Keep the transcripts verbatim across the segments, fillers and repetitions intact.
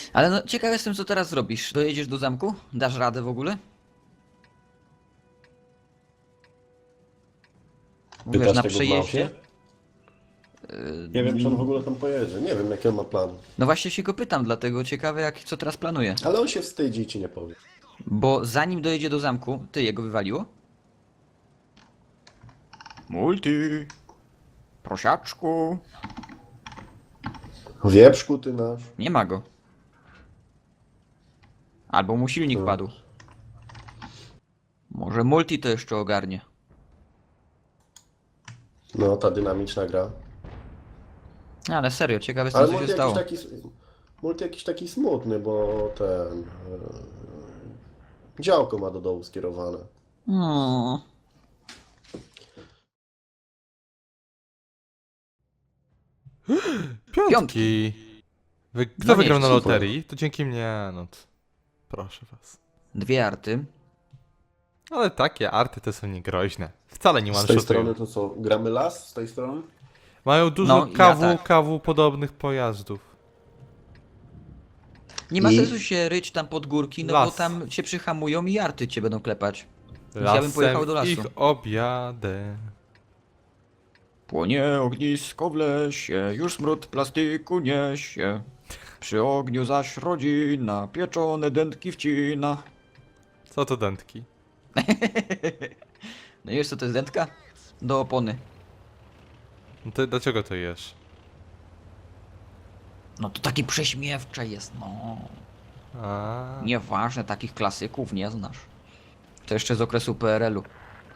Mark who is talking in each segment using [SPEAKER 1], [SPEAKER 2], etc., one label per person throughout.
[SPEAKER 1] Ale no, ciekaw jestem, co teraz zrobisz. Dojedziesz do zamku? Dasz radę w ogóle? Wiesz,
[SPEAKER 2] Pytasz
[SPEAKER 1] na
[SPEAKER 2] tego w
[SPEAKER 1] przejeździe?
[SPEAKER 2] małpie? Nie wiem, czy on w ogóle tam pojedzie. Nie wiem, jaki on ma plan.
[SPEAKER 1] No właśnie się go pytam, dlatego ciekawe, jak, co teraz planuje.
[SPEAKER 2] Ale on się wstydzi i ci nie powie.
[SPEAKER 1] Bo zanim dojedzie do zamku, ty jego wywaliło? Multi. Prosiaczku.
[SPEAKER 2] Wieprzku ty nasz.
[SPEAKER 1] Nie ma go. Albo mu silnik
[SPEAKER 2] No.
[SPEAKER 1] padł. Może multi to jeszcze ogarnie.
[SPEAKER 2] No, ta dynamiczna gra.
[SPEAKER 1] Ale serio, ciekawe jestem,
[SPEAKER 2] Ale
[SPEAKER 1] co się
[SPEAKER 2] multi jakiś
[SPEAKER 1] stało.
[SPEAKER 2] taki... Multi jakiś taki smutny, bo ten... e, działko ma do dołu skierowane.
[SPEAKER 1] Hmm.
[SPEAKER 3] Piątki. Wy, kto
[SPEAKER 1] No nie,
[SPEAKER 3] wygrał na
[SPEAKER 2] super.
[SPEAKER 3] loterii? To dzięki mnie, no to... Proszę was.
[SPEAKER 1] Dwie arty.
[SPEAKER 3] Ale takie arty to są niegroźne. Wcale nie
[SPEAKER 2] Z tej
[SPEAKER 3] one-shotują.
[SPEAKER 2] strony to co? Gramy las z tej strony?
[SPEAKER 3] Mają dużo
[SPEAKER 1] No, ja
[SPEAKER 3] kawu,
[SPEAKER 1] tak.
[SPEAKER 3] kawu podobnych pojazdów.
[SPEAKER 1] Nie ma
[SPEAKER 2] I?
[SPEAKER 1] sensu się ryć tam pod górki, no bo
[SPEAKER 3] Las.
[SPEAKER 1] tam cię przyhamują i arty cię będą klepać. Więc ja bym
[SPEAKER 3] Lasem
[SPEAKER 1] pojechał do lasu.
[SPEAKER 3] ich objadę.
[SPEAKER 1] Płonie ognisko w lesie, już smród plastiku niesie. Przy ogniu zaś rodzina, pieczone dętki wcina.
[SPEAKER 3] Co to dętki?
[SPEAKER 1] No i wiesz co to jest dętka? Do opony.
[SPEAKER 3] No to dlaczego to jesz?
[SPEAKER 1] No to takie prześmiewcze jest, no.
[SPEAKER 3] A,
[SPEAKER 1] Nieważne, takich klasyków nie znasz. To jeszcze z okresu P R L-u.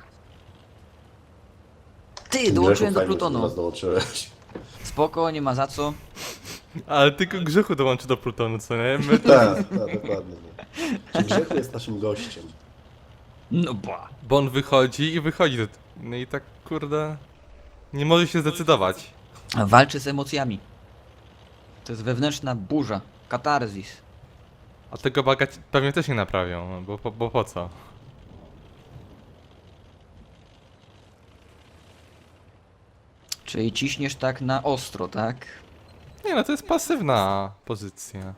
[SPEAKER 1] Ty, dołączyłem do
[SPEAKER 2] Grzechu, fajnie, że do
[SPEAKER 1] Plutonu.
[SPEAKER 2] nas dołączyłeś.
[SPEAKER 1] Spoko, nie ma za co.
[SPEAKER 3] ale tylko Grzechu dołączy do Plutonu, co nie? My
[SPEAKER 2] Tak, tak, dokładnie. Nie. Czy Grzechu jest naszym gościem?
[SPEAKER 1] No ba.
[SPEAKER 3] Bo on wychodzi i wychodzi. do- No i tak kurde... Nie może się zdecydować.
[SPEAKER 1] Walczy z emocjami. To jest wewnętrzna burza. Katarzis.
[SPEAKER 3] A tego baga ci- pewnie też nie naprawią, no bo, bo, bo po co?
[SPEAKER 1] Czyli ciśniesz tak na ostro, tak?
[SPEAKER 3] Nie no, to jest pasywna pozycja.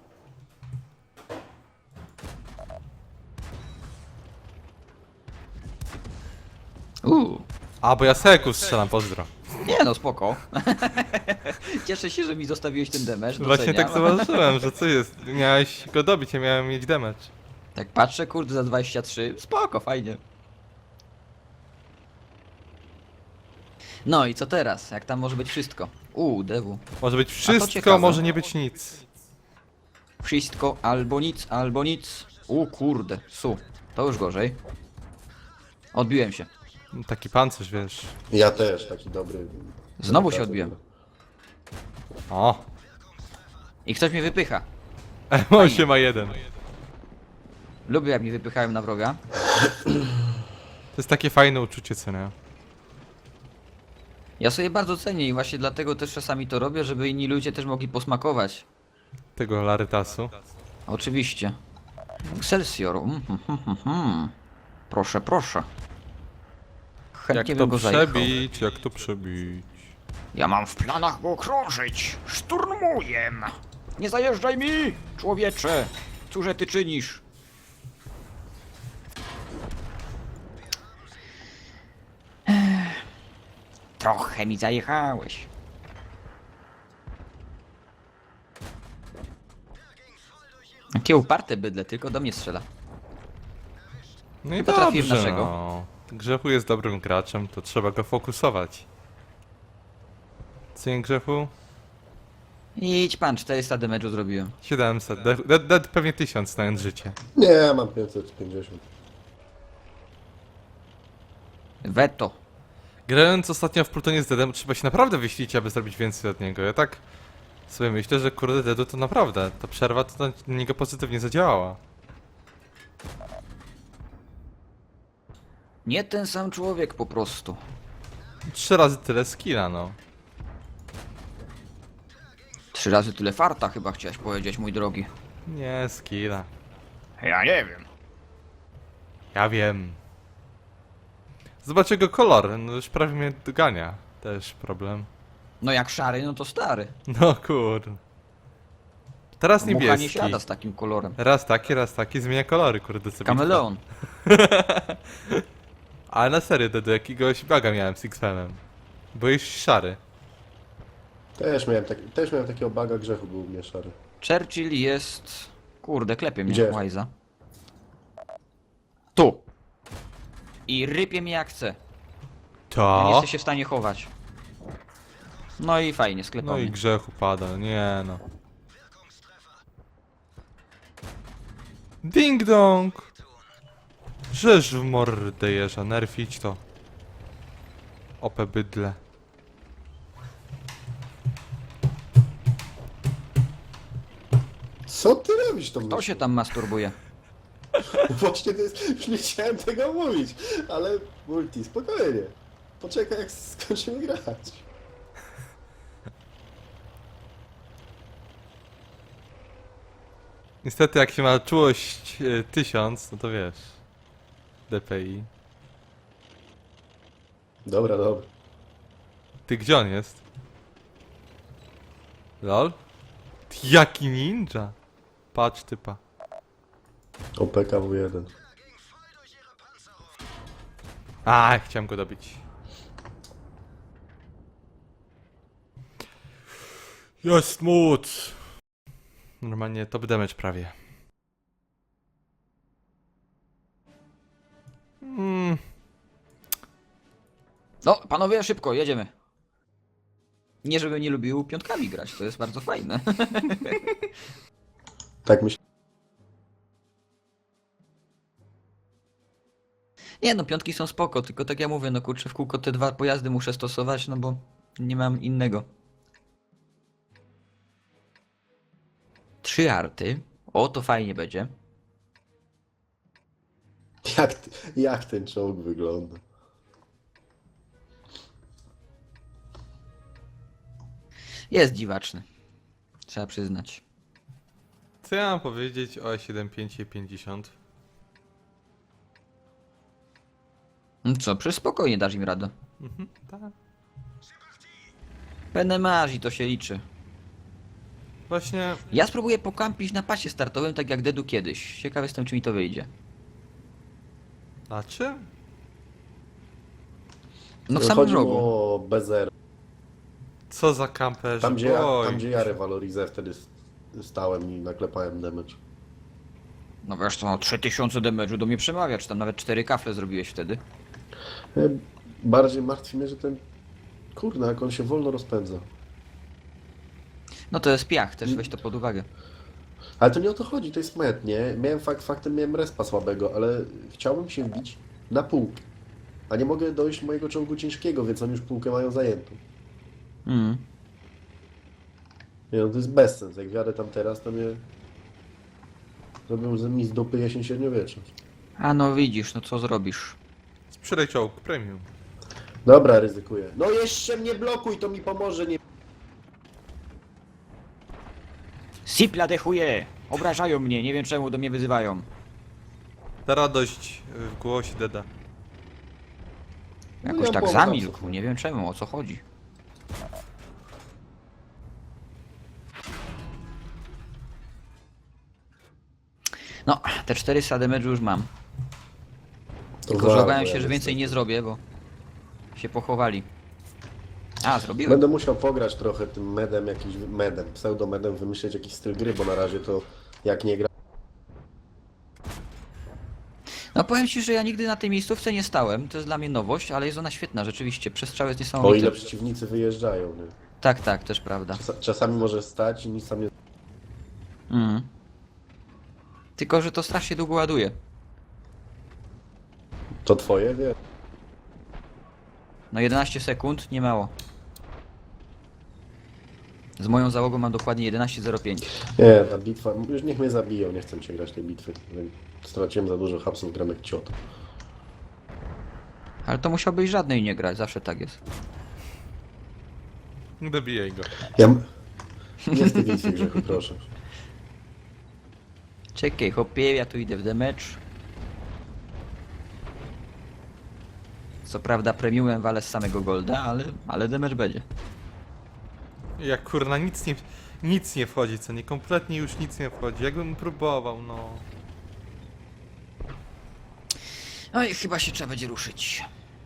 [SPEAKER 1] Uuu.
[SPEAKER 3] A, bo ja seku strzelam, pozdro.
[SPEAKER 1] Nie no, spoko. Cieszę się, że mi zostawiłeś ten damage.
[SPEAKER 3] Właśnie
[SPEAKER 1] doceniam.
[SPEAKER 3] tak zauważyłem, że co jest? Miałeś go dobić, ja miałem mieć damage.
[SPEAKER 1] Tak patrzę, kurde, za dwadzieścia trzy. Spoko, fajnie. No i co teraz? Jak tam może być wszystko? Uuu, dewu.
[SPEAKER 3] Może być
[SPEAKER 1] to
[SPEAKER 3] wszystko,
[SPEAKER 1] ciekawe.
[SPEAKER 3] może nie być nic.
[SPEAKER 1] Wszystko albo nic, albo nic. U kurde, su. To już gorzej. Odbiłem się.
[SPEAKER 3] Taki pancerz, wiesz.
[SPEAKER 2] Ja też, taki dobry.
[SPEAKER 1] Znowu się odbiłem.
[SPEAKER 3] O!
[SPEAKER 1] I ktoś mnie wypycha.
[SPEAKER 3] M osiem ma jeden.
[SPEAKER 1] Lubię jak mnie wypychają na wroga.
[SPEAKER 3] To jest takie fajne uczucie, co nie?
[SPEAKER 1] Ja sobie bardzo cenię i właśnie dlatego też czasami to robię, żeby inni ludzie też mogli posmakować.
[SPEAKER 3] Tego larytasu.
[SPEAKER 1] Oczywiście. Excelsior. Mm, mm, mm, mm. Proszę, proszę. Chętnie
[SPEAKER 3] Jak to
[SPEAKER 1] bym go zajechał.
[SPEAKER 3] przebić, jak to przebić.
[SPEAKER 1] Ja mam w planach go okrążyć. Szturmuję. Nie zajeżdżaj mi, człowiecze. Cóże ty czynisz? Ech. Trochę mi zajechałeś. Jakie uparte bydle, tylko do mnie strzela.
[SPEAKER 3] No i
[SPEAKER 1] Chyba trafiłem
[SPEAKER 3] dobrze,
[SPEAKER 1] naszego.
[SPEAKER 3] no. Grzechu jest dobrym graczem, to trzeba go fokusować. Co nie, Grzechu?
[SPEAKER 1] Idź pan, czterysta damage'u zrobiłem.
[SPEAKER 3] siedemset. Dead, dead, dead pewnie tysiąc, znając życie.
[SPEAKER 2] Nie, mam pięćset pięćdziesiąt.
[SPEAKER 1] Veto.
[SPEAKER 3] Grając ostatnio w Plutonie z Deadem, trzeba się naprawdę wyślić, aby zrobić więcej od niego. Ja tak sobie myślę, że kurde Deadu to naprawdę, ta przerwa to na niego pozytywnie zadziałała.
[SPEAKER 1] Nie ten sam człowiek po prostu.
[SPEAKER 3] Trzy razy tyle skilla, no.
[SPEAKER 1] Trzy razy tyle farta chyba chciałeś powiedzieć, mój drogi.
[SPEAKER 3] Nie, skilla.
[SPEAKER 1] Ja nie wiem.
[SPEAKER 3] Ja wiem. Zobacz jego kolor, no już prawie mnie dogania. Też problem.
[SPEAKER 1] No jak szary, no to stary.
[SPEAKER 3] No kur... Teraz
[SPEAKER 1] Mucha nie
[SPEAKER 3] niebieski.
[SPEAKER 1] siada z takim kolorem.
[SPEAKER 3] Raz taki, raz taki, zmienia kolory, kurde sobie.
[SPEAKER 1] Kameleon.
[SPEAKER 3] Ale na serio, do, do jakiegoś baga miałem z X-Femem. Byłeś szary.
[SPEAKER 2] Też miałem, taki, też miałem takiego baga, grzechu był u mnie szary.
[SPEAKER 1] Churchill jest... Kurde, klepie mnie
[SPEAKER 2] Gdzie?
[SPEAKER 1] Łajza. Tu. I rypie mnie jak chce. Ja nie
[SPEAKER 3] To?
[SPEAKER 1] jesteś się w stanie chować. No i fajnie,
[SPEAKER 3] No
[SPEAKER 1] sklepany.
[SPEAKER 3] i grzechu pada, nie no. Ding dong! Żeż w mordę jeża, nerfić to. Ope bydle.
[SPEAKER 2] Co ty robisz tą
[SPEAKER 1] Kto się tam masturbuje?
[SPEAKER 2] Właśnie to jest, już nie chciałem tego mówić, ale multi, spokojnie. Poczekaj jak skończymy grać.
[SPEAKER 3] Niestety jak się ma czułość e, tysiąc, no to wiesz. D P I.
[SPEAKER 2] Dobra, dobra.
[SPEAKER 3] Ty gdzie on jest? Lol? Ty, jaki ninja? Patrz typa.
[SPEAKER 2] O P K W jeden.
[SPEAKER 3] A, chciałem go dobić. Jest móc! Normalnie top damage prawie. Mm,
[SPEAKER 1] No, panowie, szybko, jedziemy. Nie, żebym nie lubił piątkami grać, to jest bardzo fajne.
[SPEAKER 2] Tak myślę.
[SPEAKER 1] Nie no, piątki są spoko, tylko tak ja mówię, no kurczę, w kółko te dwa pojazdy muszę stosować, no bo nie mam innego. Trzy arty. O, to fajnie będzie.
[SPEAKER 2] Jak, ty- jak ten czołg wygląda?
[SPEAKER 1] Jest dziwaczny. Trzeba przyznać.
[SPEAKER 3] co ja mam powiedzieć o E siedem pięć i pięćdziesiąt?
[SPEAKER 1] No co, przecież spokojnie dasz im radę.
[SPEAKER 3] Mhm, tak.
[SPEAKER 1] Penemaż i to się liczy.
[SPEAKER 3] Właśnie,
[SPEAKER 1] Ja spróbuję pokampić na pasie startowym, tak jak Dedu kiedyś. Ciekaw jestem, czy mi to wyjdzie.
[SPEAKER 3] a czym?
[SPEAKER 1] No w samym
[SPEAKER 2] Chodzi
[SPEAKER 1] rogu.
[SPEAKER 2] o B zero.
[SPEAKER 3] Co za kamperzy?
[SPEAKER 2] Tam gdzie, ja,
[SPEAKER 3] Oj.
[SPEAKER 2] tam gdzie ja rewalorizę wtedy s- stałem i naklepałem damage.
[SPEAKER 1] No wiesz co, no trzy tysiące damage'u do mnie przemawia, czy tam nawet cztery kafle zrobiłeś wtedy.
[SPEAKER 2] E, Bardziej martwi mnie, że ten... Kurna, jak on się wolno rozpędza.
[SPEAKER 1] No to jest piach, też weź to pod uwagę.
[SPEAKER 2] Ale to nie o to chodzi, to jest met, nie? Miałem fakt, faktem miałem respa słabego, ale chciałbym się wbić na półkę. A nie mogę dojść mojego czołgu ciężkiego, więc oni już półkę mają zajętą.
[SPEAKER 1] Mm.
[SPEAKER 2] Nie no, to jest bezsens. Jak wjadę tam teraz, to mnie... Zrobią z mi z dupy jesień średniowieczna.
[SPEAKER 1] A no widzisz, no co zrobisz?
[SPEAKER 3] Sprzedaj czołg premium.
[SPEAKER 2] Dobra, ryzykuję. No jeszcze mnie blokuj, to mi pomoże, nie...
[SPEAKER 1] Sipla dechuje! Obrażają mnie, nie wiem czemu do mnie wyzywają.
[SPEAKER 3] Ta radość w głosie Deda.
[SPEAKER 2] No
[SPEAKER 1] Jakoś
[SPEAKER 2] ja
[SPEAKER 1] tak
[SPEAKER 2] byłem
[SPEAKER 1] zamilkł,
[SPEAKER 2] zawsze.
[SPEAKER 1] nie wiem czemu, o co chodzi. No, te czterysta damage'u już mam.
[SPEAKER 2] To
[SPEAKER 1] Tylko
[SPEAKER 2] warto,
[SPEAKER 1] że obawiam
[SPEAKER 2] ja
[SPEAKER 1] się, że więcej nie zrobię, bo się pochowali. A, zrobiłem.
[SPEAKER 2] Będę musiał pograć trochę tym medem, jakimś medem, pseudomedem, wymyśleć jakiś styl gry, bo na razie to jak nie gra...
[SPEAKER 1] No powiem ci, że ja nigdy na tej miejscówce nie stałem, to jest dla mnie nowość, ale jest ona świetna, rzeczywiście, przestrzał jest
[SPEAKER 2] O
[SPEAKER 1] niesamowity.
[SPEAKER 2] ile przeciwnicy wyjeżdżają, nie?
[SPEAKER 1] Tak, tak, też prawda.
[SPEAKER 2] Czas- Czasami może stać i nic tam nie...
[SPEAKER 1] Mhm. Tylko, że to strasznie długo ładuje.
[SPEAKER 2] To twoje, wie?
[SPEAKER 1] No jedenaście sekund, nie mało. Z moją załogą mam dokładnie jedenaście zero pięć.
[SPEAKER 2] Nie, ta bitwa... Już niech mnie zabiją, nie chcę się grać tej bitwy. Straciłem za dużo hapsów, gram jak ciot.
[SPEAKER 1] Ale to musiałbyś żadnej nie grać, zawsze tak jest.
[SPEAKER 3] Dobijaj go.
[SPEAKER 2] Ja... m- Nie z tej bitwy grzechu, proszę.
[SPEAKER 1] Czekaj, hopie, ja tu idę w damage. Co prawda premiumem walę z samego golda, ale, ale damage będzie.
[SPEAKER 3] Jak kurna nic nie, nic nie wchodzi, co nie, kompletnie już nic nie wchodzi. Jakbym próbował, no.
[SPEAKER 1] Oj, chyba się trzeba będzie ruszyć.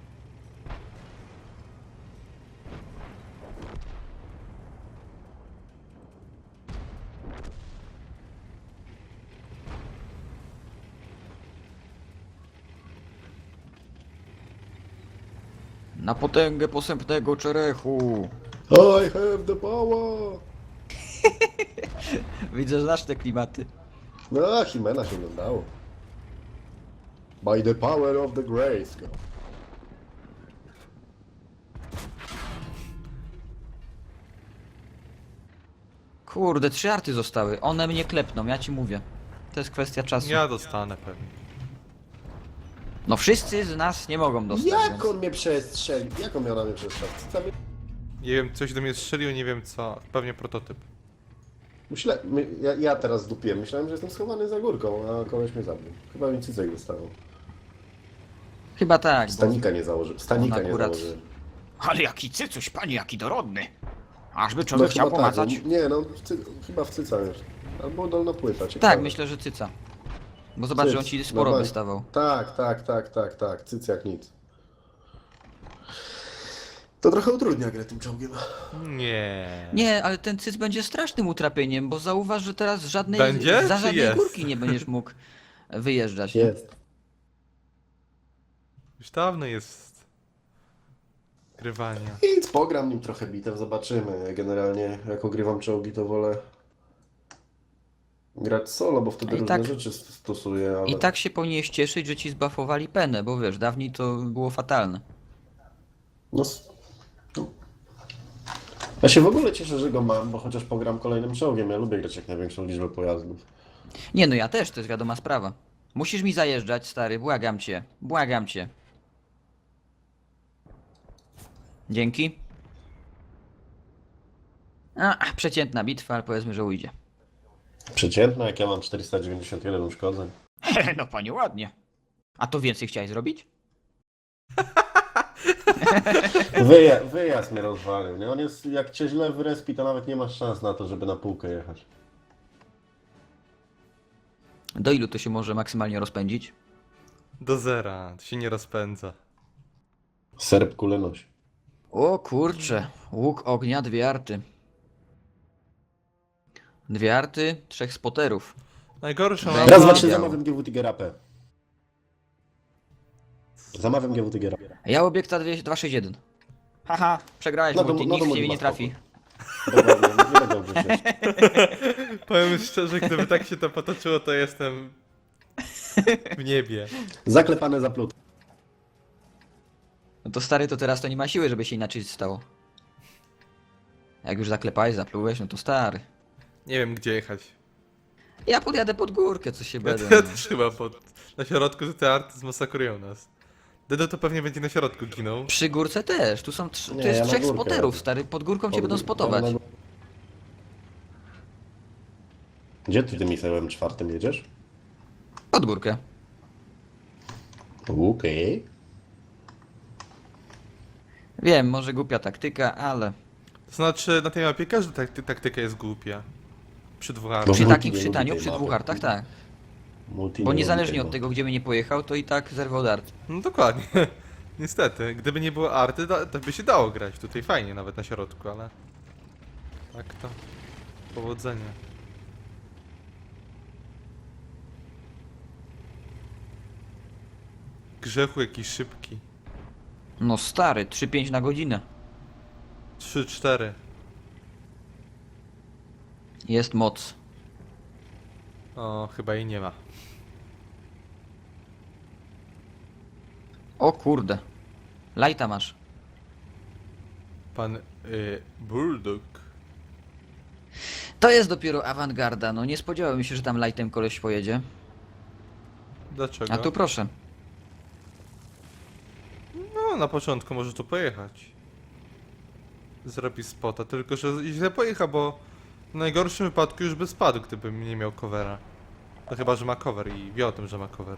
[SPEAKER 1] Na potęgę posępnego czerechu.
[SPEAKER 2] I have the power!
[SPEAKER 1] Widzę, że znasz te klimaty.
[SPEAKER 2] No, Himena się oglądało. By the power of the Grayskull.
[SPEAKER 1] Kurde, trzy arty zostały. One mnie klepną, ja ci mówię. To jest kwestia czasu.
[SPEAKER 3] Ja dostanę pewnie.
[SPEAKER 1] No wszyscy z nas nie mogą dostać.
[SPEAKER 2] Jak
[SPEAKER 1] więc...
[SPEAKER 2] on mnie przestrzelił? Jak on miał na mnie przestrzelić? Co mi-
[SPEAKER 3] Nie wiem, coś do mnie strzelił, nie wiem co. Pewnie prototyp.
[SPEAKER 2] Myślę, my, ja, ja teraz zdupiłem. Myślałem, że jestem schowany za górką, a koleś mnie zabił. Chyba mi cycek dostawał.
[SPEAKER 1] Chyba tak. Bo...
[SPEAKER 2] Stanika nie założył. Stanika
[SPEAKER 1] on
[SPEAKER 2] nie
[SPEAKER 1] akurat-
[SPEAKER 2] założyłem.
[SPEAKER 1] Ale jaki cycuś, panie, jaki dorodny. Ażby
[SPEAKER 2] No
[SPEAKER 1] człowiek chciał
[SPEAKER 2] chyba tak.
[SPEAKER 1] pomacać.
[SPEAKER 2] no, Nie no, w cy, chyba w cyca już. Albo dolna płyta, ciekawe.
[SPEAKER 1] Tak, myślę, że cyca. Bo zobacz, że on ci
[SPEAKER 2] Cyc,
[SPEAKER 1] sporo
[SPEAKER 2] normalnie.
[SPEAKER 1] wystawał.
[SPEAKER 2] Tak, tak, tak, tak, tak. Cyc jak nic. To trochę utrudnia grę tym czołgiem.
[SPEAKER 3] Nie.
[SPEAKER 1] Nie, ale ten cyc będzie strasznym utrapieniem, bo zauważ, że teraz żadnej,
[SPEAKER 3] Będzie,
[SPEAKER 1] za
[SPEAKER 3] czy
[SPEAKER 1] żadnej
[SPEAKER 3] jest?
[SPEAKER 1] górki nie będziesz mógł wyjeżdżać. nie?
[SPEAKER 2] Jest.
[SPEAKER 3] Już dawno jest grywania.
[SPEAKER 2] Nic, pogram nim trochę bitew, zobaczymy. Generalnie jak ogrywam czołgi, to wolę grać solo, bo wtedy
[SPEAKER 1] I
[SPEAKER 2] różne
[SPEAKER 1] tak-
[SPEAKER 2] rzeczy stosuję, ale...
[SPEAKER 1] I tak się powinieneś cieszyć, że ci zbafowali penę, bo wiesz, dawniej to było fatalne.
[SPEAKER 2] No, s- no. Ja się w ogóle cieszę, że go mam, bo chociaż pogram kolejnym czołgiem. Ja lubię grać jak największą liczbę pojazdów.
[SPEAKER 1] Nie no, ja też, to jest wiadoma sprawa. Musisz mi zajeżdżać, stary, błagam cię, błagam cię. Dzięki. A, przeciętna bitwa, ale powiedzmy, że ujdzie.
[SPEAKER 2] Przeciętna, jak ja mam czterysta dziewięćdziesiąt jeden uszkodzeń.
[SPEAKER 1] No panie, ładnie. A to więcej chciałeś zrobić?
[SPEAKER 2] Wyja wyjazd mnie rozwalił, nie? On jest, jak cię źle wyrespi, to nawet nie masz szans na to, żeby na półkę jechać.
[SPEAKER 1] Do ilu to się może maksymalnie rozpędzić?
[SPEAKER 3] Do zera, to się nie rozpędza.
[SPEAKER 2] Serb kulę nosi.
[SPEAKER 1] O kurcze, łuk ognia, dwie arty. Dwie arty, trzech spoterów.
[SPEAKER 3] Najgorsze
[SPEAKER 1] Raz,
[SPEAKER 3] mam...
[SPEAKER 2] Raz,
[SPEAKER 1] Dobra.
[SPEAKER 2] dwa, trzy, zamawiam G W Tigera P. Zamawiam G W Tigera.
[SPEAKER 1] Ja obiekta dwa sześć jeden. Haha, przegrałeś,
[SPEAKER 2] No
[SPEAKER 1] no
[SPEAKER 2] to-
[SPEAKER 1] multi,
[SPEAKER 2] no to
[SPEAKER 1] nikt w
[SPEAKER 2] multi
[SPEAKER 1] ciebie
[SPEAKER 2] ma
[SPEAKER 1] nie trafi.
[SPEAKER 2] Dobra, nie, nie będę obrzucać.
[SPEAKER 3] Powiem szczerze, gdyby tak się to potoczyło, to jestem w niebie.
[SPEAKER 2] Zaklepane zaplute.
[SPEAKER 1] No to stary, to teraz to nie ma siły, żeby się inaczej stało. Jak już zaklepałeś, zaplułeś, no to stary.
[SPEAKER 3] Nie wiem gdzie jechać.
[SPEAKER 1] Ja podjadę pod górkę, co się
[SPEAKER 3] Ja,
[SPEAKER 1] będę.
[SPEAKER 3] ja też chyba pod... Na środku te arty zmasakrują nas. Dedo to pewnie będzie na środku ginął.
[SPEAKER 1] Przy górce też, tu są trz...
[SPEAKER 2] Nie,
[SPEAKER 1] tu jest
[SPEAKER 2] ja na
[SPEAKER 1] trzech
[SPEAKER 2] górkę
[SPEAKER 1] spoterów,
[SPEAKER 2] jadę.
[SPEAKER 1] stary, pod górką cię
[SPEAKER 2] Pod-
[SPEAKER 1] będą spotować.
[SPEAKER 2] Gdzie ty tym Michałem czwartym jedziesz?
[SPEAKER 1] Pod górkę.
[SPEAKER 2] Okej.
[SPEAKER 1] Wiem, może głupia taktyka, ale
[SPEAKER 3] To znaczy, na tej mapie każda takty taktyka jest głupia. Przy dwóch
[SPEAKER 2] No
[SPEAKER 1] przy
[SPEAKER 3] artach.
[SPEAKER 2] multi
[SPEAKER 1] takim
[SPEAKER 2] nie lubi
[SPEAKER 1] czytaniu,
[SPEAKER 2] tej
[SPEAKER 1] przy
[SPEAKER 2] mapy.
[SPEAKER 1] dwóch artach, tak.
[SPEAKER 2] Multi
[SPEAKER 1] Bo
[SPEAKER 2] nie
[SPEAKER 1] niezależnie
[SPEAKER 2] lubi
[SPEAKER 1] od
[SPEAKER 2] tego.
[SPEAKER 1] tego, gdzie by nie pojechał, to i tak zerwał dart.
[SPEAKER 3] No dokładnie. Niestety, gdyby nie było arty, to, to by się dało grać tutaj fajnie, nawet na środku, ale... Tak to... Powodzenia. Grzechu jakiś szybki.
[SPEAKER 1] No stary, trzy pięć na godzinę.
[SPEAKER 3] trzy cztery.
[SPEAKER 1] Jest moc.
[SPEAKER 3] O, chyba jej nie ma.
[SPEAKER 1] O kurde. Lajta masz.
[SPEAKER 3] Pan... Y, Bulldog.
[SPEAKER 1] To jest dopiero awangarda, no nie spodziewałem się, że tam lightem koleś pojedzie.
[SPEAKER 3] Dlaczego?
[SPEAKER 1] A tu proszę.
[SPEAKER 3] No, na początku może tu pojechać. Zrobi spota, tylko że źle pojechał, bo w najgorszym wypadku już by spadł, gdybym nie miał covera. No chyba, że ma cover i wie o tym, że ma cover.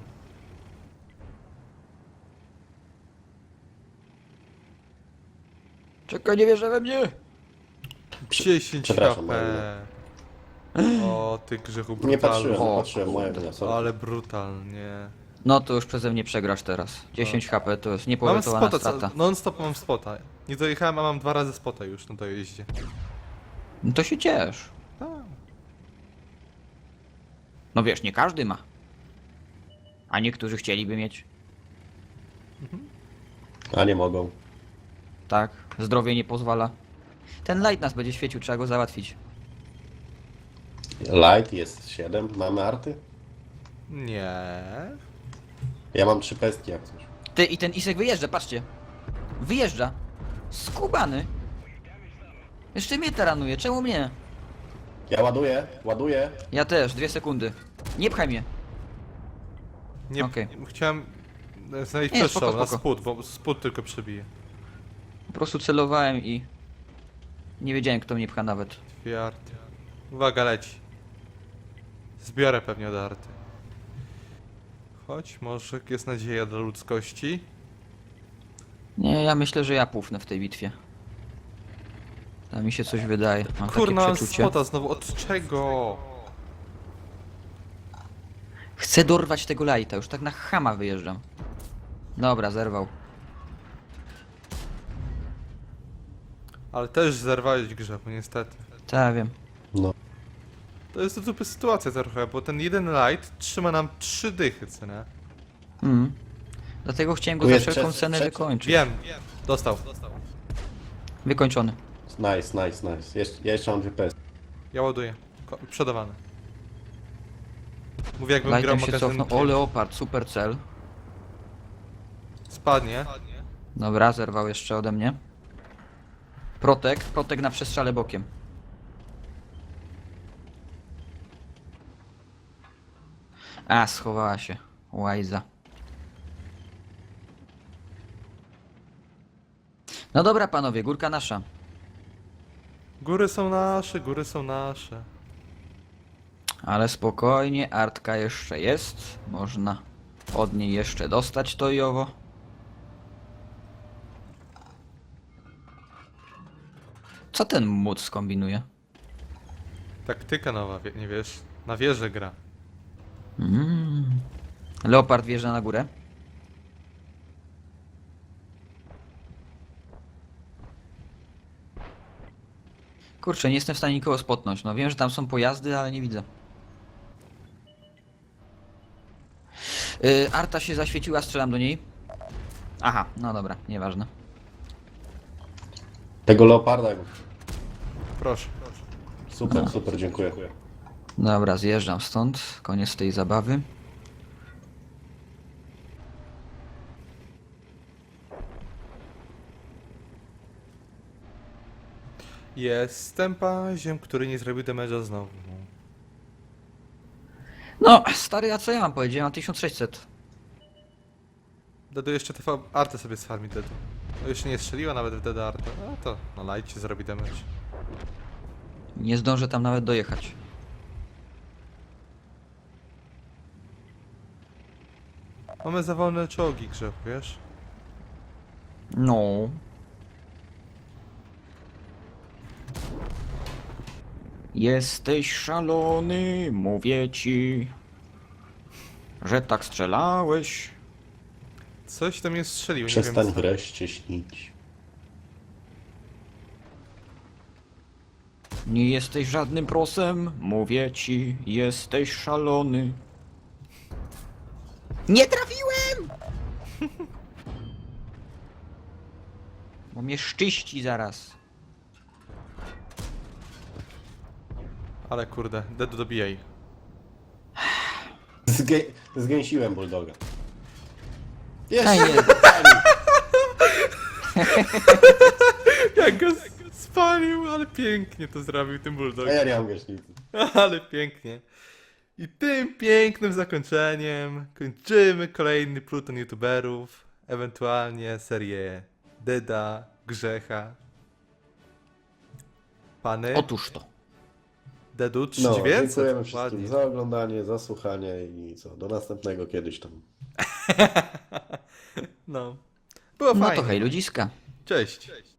[SPEAKER 1] Czekaj, nie wierzę we mnie.
[SPEAKER 3] dziesięć
[SPEAKER 2] Przepraszam,
[SPEAKER 3] H P. O, ty grzechu
[SPEAKER 2] Nie patrzyłem,
[SPEAKER 3] brutalny.
[SPEAKER 2] nie
[SPEAKER 1] O,
[SPEAKER 2] patrzyłem mojego, nie, sorry.
[SPEAKER 3] Ale brutalnie.
[SPEAKER 1] No to już przeze mnie przegrasz teraz. dziesięć H P to jest
[SPEAKER 3] Mam
[SPEAKER 1] niepowetowana
[SPEAKER 3] spota,
[SPEAKER 1] strata.
[SPEAKER 3] co- non-stop mam spota. Nie dojechałem, a mam dwa razy spota już na dojeździe.
[SPEAKER 1] No to się ciesz.
[SPEAKER 3] Tak.
[SPEAKER 1] No wiesz, nie każdy ma. A niektórzy chcieliby mieć.
[SPEAKER 2] A nie mogą.
[SPEAKER 1] Tak, zdrowie nie pozwala. Ten light nas będzie świecił, trzeba go załatwić.
[SPEAKER 2] Light jest siedem, mamy arty?
[SPEAKER 3] Nie.
[SPEAKER 2] Ja mam trzy pestki jak coś.
[SPEAKER 1] Ty i ten Isek wyjeżdża, patrzcie. Wyjeżdża. Skubany. Jeszcze mnie taranuje, czemu mnie?
[SPEAKER 2] Ja ładuję, ładuję.
[SPEAKER 1] Ja też, dwie sekundy. Nie pchaj mnie.
[SPEAKER 3] Nie,
[SPEAKER 1] Okej.
[SPEAKER 3] chciałem znaleźć
[SPEAKER 1] Nie,
[SPEAKER 3] przestrzał
[SPEAKER 1] spoko,
[SPEAKER 3] na
[SPEAKER 1] spoko.
[SPEAKER 3] spód, bo spód tylko przebije.
[SPEAKER 1] Po prostu celowałem i... Nie wiedziałem, kto mnie pcha nawet.
[SPEAKER 3] Dwie arty. Uwaga, leci. Zbiorę pewnie od arty. Chodź, może jest nadzieja dla ludzkości.
[SPEAKER 1] Nie, ja myślę, że ja pufnę w tej bitwie. Tam mi się coś wydaje. Mam
[SPEAKER 3] Kurna,
[SPEAKER 1] takie
[SPEAKER 3] mam
[SPEAKER 1] przeczucie.
[SPEAKER 3] spota znowu, od czego?
[SPEAKER 1] Chcę dorwać tego lighta, już tak na chama wyjeżdżam. Dobra, zerwał.
[SPEAKER 3] Ale też zerwałeś grzechu, niestety.
[SPEAKER 1] Tak, wiem.
[SPEAKER 2] No.
[SPEAKER 3] To jest to dupy sytuacja trochę, bo ten jeden light trzyma nam trzy dychy, co nie?
[SPEAKER 1] Mm. Dlatego chciałem go
[SPEAKER 2] Tu
[SPEAKER 1] za
[SPEAKER 2] jest
[SPEAKER 1] wszelką
[SPEAKER 2] trzeci-
[SPEAKER 1] cenę
[SPEAKER 2] trzeci.
[SPEAKER 1] wykończyć.
[SPEAKER 3] Wiem, dostał.
[SPEAKER 1] Wykończony.
[SPEAKER 2] Nice, nice, nice. Jeszcze, ja jeszcze mam dwie pestki.
[SPEAKER 3] Ja ładuję. Ko- Przodawany. Mówię jakbym grał
[SPEAKER 1] Lightem się
[SPEAKER 3] magazyn.
[SPEAKER 1] cofnął. O, Leopard, super cel.
[SPEAKER 3] Spadnie.
[SPEAKER 1] Dobra, zerwał jeszcze ode mnie. Protek, protek na przestrzale bokiem. A, schowała się. Łajza. No dobra, panowie, górka nasza.
[SPEAKER 3] Góry są nasze, góry są nasze.
[SPEAKER 1] Ale spokojnie, artka jeszcze jest. Można od niej jeszcze dostać to i owo. Co ten młot skombinuje?
[SPEAKER 3] Taktyka nowa, wie- nie wiesz? Na wieżę gra.
[SPEAKER 1] Mm. Leopard wjeżdża na górę. Kurczę, nie jestem w stanie nikogo spotnąć. No wiem, że tam są pojazdy, ale nie widzę. Yy, Arta się zaświeciła, strzelam do niej. Aha, no dobra, nieważne.
[SPEAKER 2] Tego leoparda.
[SPEAKER 3] Proszę.
[SPEAKER 2] Super, super, dziękuję.
[SPEAKER 1] Dobra, zjeżdżam stąd. Koniec tej zabawy.
[SPEAKER 3] Jestem paziem, który nie zrobił damage'a znowu.
[SPEAKER 1] No, stary, a co ja mam powiedzieć? Ja mam tysiąc sześćset.
[SPEAKER 3] Dedu jeszcze T V artę sobie sfarmi Dedu. No jeszcze nie strzeliła nawet w Dedu artę. No to na lightie zrobi damage.
[SPEAKER 1] Nie zdążę tam nawet dojechać.
[SPEAKER 3] Mamy za wolne czołgi grzechu, wiesz?
[SPEAKER 1] No. Jesteś szalony, mówię ci, że tak strzelałeś.
[SPEAKER 3] Coś tam mnie strzelił, nie
[SPEAKER 2] Przestań
[SPEAKER 3] wiem co.
[SPEAKER 2] wreszcie śnić.
[SPEAKER 1] Nie jesteś żadnym prosem, mówię ci, jesteś szalony. Nie trafiłem! Bo mnie szczyści zaraz.
[SPEAKER 3] Ale kurde, Dedu dobijaj.
[SPEAKER 2] Zgę zgęsiłem bulldoga.
[SPEAKER 1] Ej,
[SPEAKER 2] Jeszcze!
[SPEAKER 1] nie.
[SPEAKER 3] Jak go s- spalił, ale pięknie to zrobił tym
[SPEAKER 2] A
[SPEAKER 3] bulldogiem.
[SPEAKER 2] ja nie mam gaśnicy.
[SPEAKER 3] Ale pięknie. I tym pięknym zakończeniem kończymy kolejny pluton youtuberów, ewentualnie serię Deda, Grzecha. Pany,
[SPEAKER 1] Otóż to.
[SPEAKER 3] Dedu
[SPEAKER 2] No,
[SPEAKER 3] trzydzieści dziewięćset.
[SPEAKER 2] dziękujemy wszystkim
[SPEAKER 3] Ładnie.
[SPEAKER 2] za oglądanie, za słuchanie i co, do następnego kiedyś tam.
[SPEAKER 3] No. Było
[SPEAKER 1] No
[SPEAKER 3] fajnie.
[SPEAKER 1] to hej ludziska.
[SPEAKER 3] Cześć.